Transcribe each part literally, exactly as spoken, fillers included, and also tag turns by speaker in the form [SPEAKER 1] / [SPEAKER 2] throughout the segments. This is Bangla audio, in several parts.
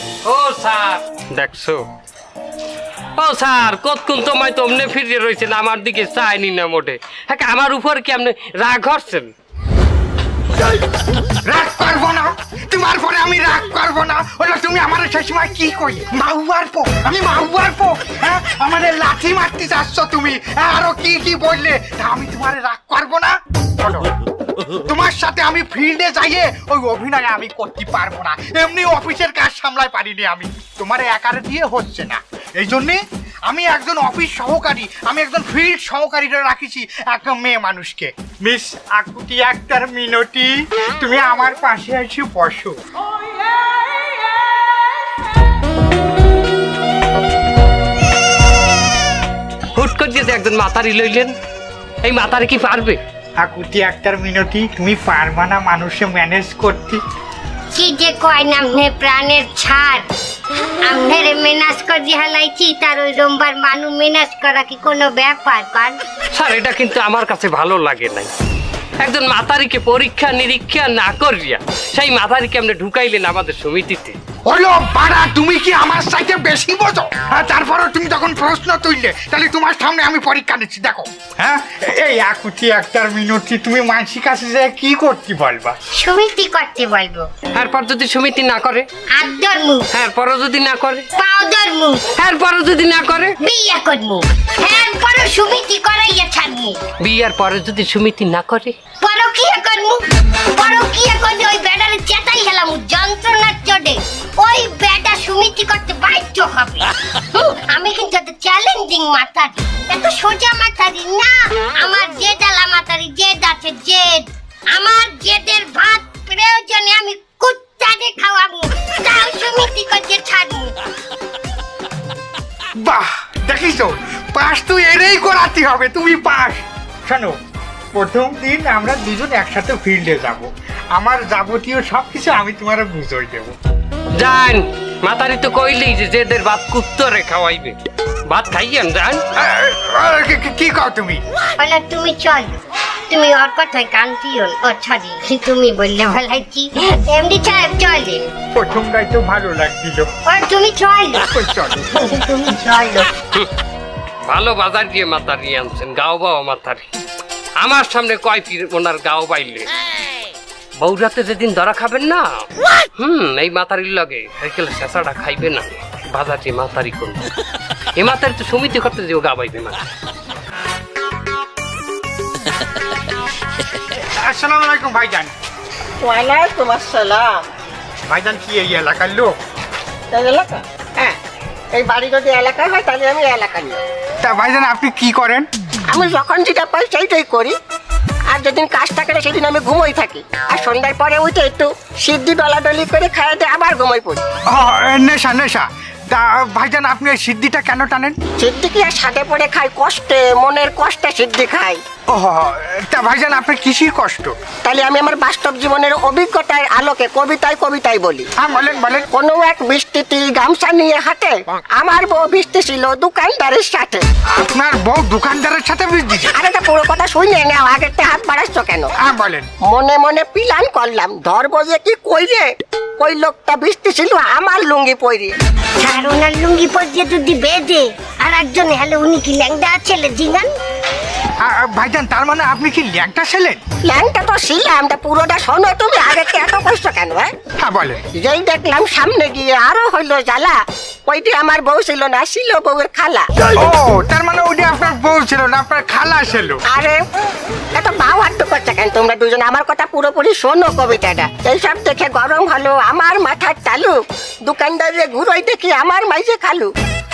[SPEAKER 1] ও স্যার দেখছো, ও স্যার কতক্ষণ তোমায় তো অমনে ফিরে রয়েছেন, আমার দিকে চাইনি না মোটে। হ্যাঁ, আমার উপর কি আপনি রাগ হচ্ছেন?
[SPEAKER 2] রাগ করবো না, তোমার পরে আমি রাগ করবো না। ওটা তুমি আমার সেই সময় কি কই মাহুয়ার পো, আমি মাহুয়ার পো, হ্যাঁ আমাদের লাঠি মারতে চাচ্ছ তুমি, হ্যাঁ, আরো কি কি বললে, তা আমি তোমার রাগ করবো না? বলো, তোমার সাথে আমি ফিল্ডে যাইয়ে ওই অভিনয় আমি করতে পারবো না, এমনি অফিসের কাজ সামলাই পারিনি আমি, তোমার একারে দিয়ে হচ্ছে না। এই জন্যে আমি একজন অফিস সহকারী, আমি একজন ফিল্ড সহকারীরা রাখিছি একজন মেয়ে মানুষকে। মিস আকুতি আক্তার মিনতি, তুমি আমার পাশে এসে বসো।
[SPEAKER 1] হুট করে যে একজন মাতারি লইলেন, এই মাতারি কি পারবে?
[SPEAKER 2] আকুতি আক্তার মিনতি, তুমি পারবা না মানুষে ম্যানেজ করতে?
[SPEAKER 3] কি যে কয় না আমনে প্রাণের ছাড়, আমনের মেনাজ করে হালাইছি, তার ওই রোমবার মানু মেনাজ করা কি কোনো ব্যাপার? পার
[SPEAKER 1] স্যার, এটা কিন্তু আমার কাছে ভালো লাগে নাই। একজন মাতারিকে পরীক্ষা নিরীক্ষা না করিয়া সেই মাতারিকে আপনি ঢুকাইলেন আমাদের সমিতিতে।
[SPEAKER 2] হলো পাড়া, তুমি কি আমার সাথে বেশি বোঝো? হ্যাঁ, তারপরে তুমি যখন প্রশ্ন তুললে, তাহলে তোমার সামনে আমি পরীক্ষা নিচ্ছি, দেখো। হ্যাঁ, এই আকুতি আক্তার মিনতি, তুমি মানসিক কাছে যে কি করতে বলবা?
[SPEAKER 3] সমিতি করতে বলবো।
[SPEAKER 1] এরপর যদি সমিতি না করে,
[SPEAKER 3] আদর মুখ,
[SPEAKER 1] এরপরও যদি না করে,
[SPEAKER 3] পাউডার মুখ,
[SPEAKER 1] এরপরও যদি না করে,
[SPEAKER 3] বিয়ে করবো, হ্যাঁ পরে সমিতি করাইয়া ছাড়বো।
[SPEAKER 1] বিয়ার পরে যদি সমিতি না করে,
[SPEAKER 3] পরকিয়া করবো, পরকিয়া করে ওই বেটারে চেতাই হেলাম যন্ত্রণার চোটে, ওই বেটা সমিতি করতে বাধ্য হবে। হুম, আমি কিন্তু একটা চ্যালেঞ্জিং মাতারি, এত সোজা মাতারি না। আমার জেদ আলা মাতারি, জেদ আছে জেদ। আমার জেদের ভাত প্রয়োজনে আমি কুত্তাকে খাওয়াবো, তাও সমিতি করতে ছাড়বো।
[SPEAKER 2] বাহ, দেখিছো, পাস তো এরেই করাতে হবে, তুমি পাস। শোনো, প্রথম দিন আমরা দুজন একসাথে ফিল্ডে যাব, আমার যাবতীয় সব কিছু আমি তোমার বুঝিয়ে দেবো।
[SPEAKER 1] যান, মাতারি তো কইলেই যে যেদের ভাত কুত্তরে খাওয়াইবে, ভাত খাইয়েন যান।
[SPEAKER 2] কি কও তুমি?
[SPEAKER 3] বলে তুমি চল, তুমি ওর কথায় কান দিও না। ও সরি, তুমি বললে ভালাইছি। এমডি সাহেব চলে।
[SPEAKER 2] প্রথমটাই তো ভালো লাগছিল।
[SPEAKER 3] ও তুমি চল,
[SPEAKER 2] চলো,
[SPEAKER 3] তুমি চলো।
[SPEAKER 1] ভালো বাজার দিয়ে মাতারি আনছেন, গাও বাবা মাতারি। আমার সামনে কয় ফির ওনার গাও বাইলে। বৌরাতে যেদিন ধরা খাবেন না, হুম, এই মাতারির লগে সাইকেল শেষাটা খাইবে না, বাজার দিয়ে মাতারি করবে। এ মাতারি তো সমিতি করতে যে গা বাইবে না।
[SPEAKER 2] আসসালামু আলাইকুম ভাইজান।
[SPEAKER 4] ওয়ালাইকুম আসসালাম।
[SPEAKER 2] ভাইজান কি এই এলাকার লোক?
[SPEAKER 4] এই এলাকা? হ্যাঁ, এই বাড়ি যদি এলাকা হয় তাহলে আমি এলাকার লোক।
[SPEAKER 2] তা ভাইজান আপনি কি করেন?
[SPEAKER 4] আমি যখন যেটা পাই সেইটাই করি, আর যেদিন কাজ থাকে না সেদিন আমি ঘুমোই থাকি, আর সন্ধ্যার পরে উঠে একটু সিদ্ধি ডলাডলি করে খাইতে আবার ঘুমোই পড়ি।
[SPEAKER 2] ও, নেশা নেশা। তা ভাইজান আপনি এই সিদ্ধিটা কেন টানেন?
[SPEAKER 4] সিদ্ধি কি আর সাথে পড়ে খাই, কষ্টে, মনের কষ্টে সিদ্ধি খাই।
[SPEAKER 2] ও, তা ভাইজান আপনার কিসির কষ্ট?
[SPEAKER 4] তাহলে আমি আমার বাস্তব জীবনের অভিজ্ঞতার আলোকে কবিতায় কবিতায় বলি।
[SPEAKER 2] হ্যাঁ বলেন বলেন।
[SPEAKER 4] কোনো এক বৃষ্টিতে গামছা নিয়ে হাঁটে, আমার বউ বৃষ্টি ছিল দোকানদারের সাথে।
[SPEAKER 2] আপনার বউ দোকানদারের সাথে বৃষ্টি?
[SPEAKER 4] আরে তা পুরো কথা শুনে নাও, আগের হাত বাড়াচ্ছ কেন?
[SPEAKER 2] হ্যাঁ বলেন।
[SPEAKER 4] মনে মনে প্ল্যান করলাম, ধরবো যে কি কইরে, ওই লোকটা বৃষ্টি ছিল আমার লুঙ্গি পরে।
[SPEAKER 3] আর ওনার লুঙ্গি পরিয়ে যদি বেঁধে আর একজন হ্যালো, উনি কি ল্যাংডা ছেলে জিনান?
[SPEAKER 2] ভাইজান তার মানে আপনি কি ল্যাংটা ছিলেন?
[SPEAKER 4] ল্যাংটা তো ছিলাম, তা পুরোটা শোনো তুমি, আগে এত কষ্ট কেন?
[SPEAKER 2] হ্যাঁ বলেন।
[SPEAKER 4] যেই দেখলাম সামনে গিয়ে আরো হইলো জ্বালা, ওইটি আমার বউ ছিল না, ছিল বউয়ের খালা।
[SPEAKER 2] ও, তার মানে ওইটা আপনার বউ ছিল না, আপনার খালা ছিল।
[SPEAKER 4] আরে এত বাউ হাট্ট করছে কেন তোমরা দুজন? আমার কথা পুরোপুরি শোনো কবিতাটা। এইসব দেখে গরম হলো আমার মাথার তালু, দোকানদারে ঘুরোই দেখি আমার মাইজে খালু।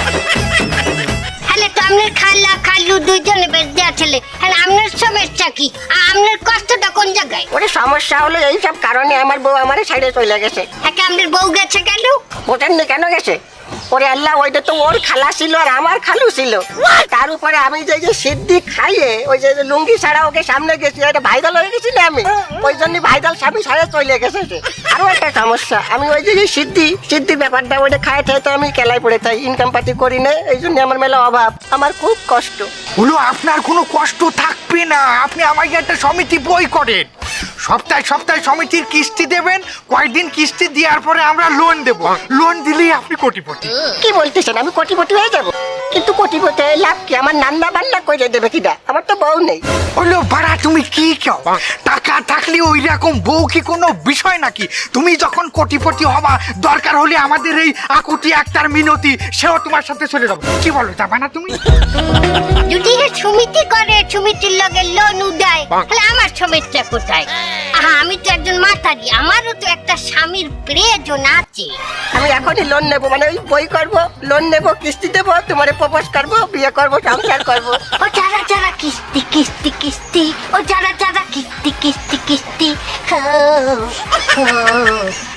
[SPEAKER 3] হ্যালো, তো আপনার খালা খালু দুইজনে বেশ দেওয়া ছেলে, হ্যাঁ আপনার সমস্যা কি? আপনার কষ্টটা কোন জায়গায়?
[SPEAKER 4] ওরে সমস্যা হলো এইসব কারণে আমার বউ আমার সাইডে চলে গেছে।
[SPEAKER 3] হ্যাঁ, আপনার বউ গেছে কেন?
[SPEAKER 4] ওটার কেন গেছে? ওরে আল্লাহ, ওইটা তো ওর খালা ছিল আর আমার খালু ছিল। তার উপরে আমি যে যে সিদ্ধি খাইয়ে ওই যে লুঙ্গি ছাড়া ওকে সামনে গেছি, এটা ভাইরাল হয়ে গেছি না আমি, ওই জন্য ভাইরাল স্বামী সাড়ে চলে গেছে। আরো একটা সমস্যা, আমি ওই যে সিদ্ধি সিদ্ধি ব্যাপারটা ওইটা খাই খাই তো আমি কেলাই পড়ে থাই, ইনকাম পাতি করি না, এই জন্য আমার মেলা অভাব, আমার খুব কষ্ট
[SPEAKER 2] হলো। আপনার কোনো কষ্ট থাকবে না, আপনি আমাকে একটা সমিতি বই করেন, সপ্তাহে সপ্তাহে সমিতির কিস্তি দেবেন, কয়েকদিন কিস্তি দেওয়ার পরে আমরা লোন দেব, লোন দিলেই আপনি কোটিপতি।
[SPEAKER 4] কি বলতেছেন আমি কোটিপতি হয়ে যাব? কিন্তু কোটিপতি হয়ে লাভ কি? আমার নান্না বান্না করে দেবে কিনা? আমার তো বউ নেই।
[SPEAKER 2] হলো ভাড়া, তুমি কি কেউ টাকা থাকলে ওই রকম বউ কি কোনো বিষয় নাকি? তুমি যখন কোটিপতি হবা, দরকার হলে আমাদের এই আকুতি একটার মিনতি সেও তোমার সাথে চলে যাবো। কি বলো, যাবা না তুমি?
[SPEAKER 3] যদি হে সমিতি করে, সমিতির লগে লোন উদায়, তাহলে আমার সমস্যা কোথায়? আহা, আমি তো একজন মাতারি, আমারও তো একটা স্বামীর প্রয়োজন আছে।
[SPEAKER 4] আমি এখনই লোন নেবো, মানে ওই বই করবো, লোন নেবো, কিস্তি দেবো, তোমারে প্রপোজ করবো, বিয়ে করবো, সংসার করবো।
[SPEAKER 3] ও যারা যারা কিস্তি কিস্তি কিস্তি, ও যারা যারা কিস্তি কিস্তি কিস্তি, হো, হো।